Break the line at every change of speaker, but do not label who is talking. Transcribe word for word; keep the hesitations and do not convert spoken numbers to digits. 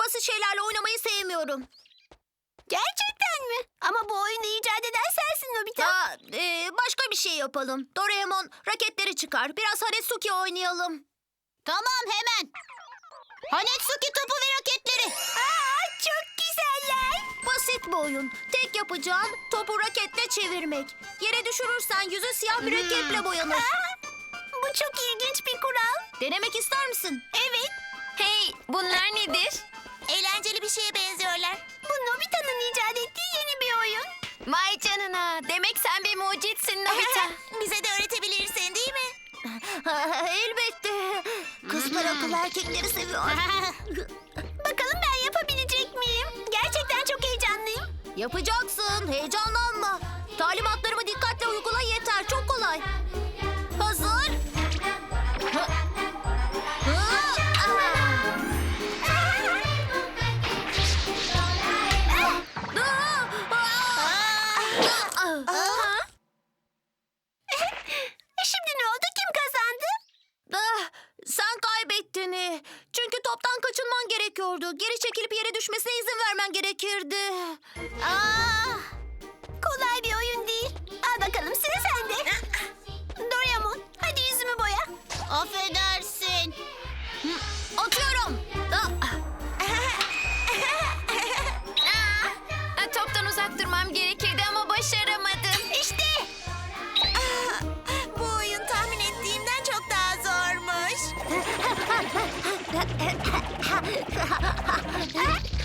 basit şeylerle oynamayı sevmiyorum.
Gerçekten mi? Ama bu oyunu icat eden sensin Nobita.
Aa, e, başka bir şey yapalım. Doraemon raketleri çıkar. Biraz Haretsuki oynayalım.
Tamam, hemen. Hanetsuki topu ve raketleri. Aa, çok güzeller.
Basit bir oyun. Tek yapacağın topu raketle çevirmek. Yere düşürürsen yüzü siyah bir raketle boyanır.
Aa, bu çok ilginç bir kural.
Denemek ister misin?
Evet.
Hey, bunlar nedir?
Eğlenceli bir şeye benziyorlar. Bu Nobita'nın icat ettiği yeni bir oyun.
Vay canına. Demek sen bir mucitsin Nobita.
Bize de öğretebilirsin, değil mi?
Elbette. Kızlar akıllı erkekleri seviyor.
Bakalım ben yapabilecek miyim? Gerçekten çok heyecanlıyım.
Yapacaksın. Heyecanlanma. Talimatlarımı dikkatle uygula yeter. Çok kolay. Hazır. Hı. Hı. Ah.
Aa! Şimdi ne oldu? Kim kazandı?
Ah, sen kaybettin. eh. Çünkü toptan kaçınman gerekiyordu. Geri çekilip yere düşmesine izin vermen gerekirdi.
Aa, kolay bir oyun değil. Al bakalım, sıra sende. Doraemon, hadi yüzümü boya. Affedersin.
Atıyorum. Ah.
Aa,
Toptan uzak durmam gerekirdi ama başaramadım.
İşte. Aa, bu oyun tahmin ettiğimden çok daha zormuş.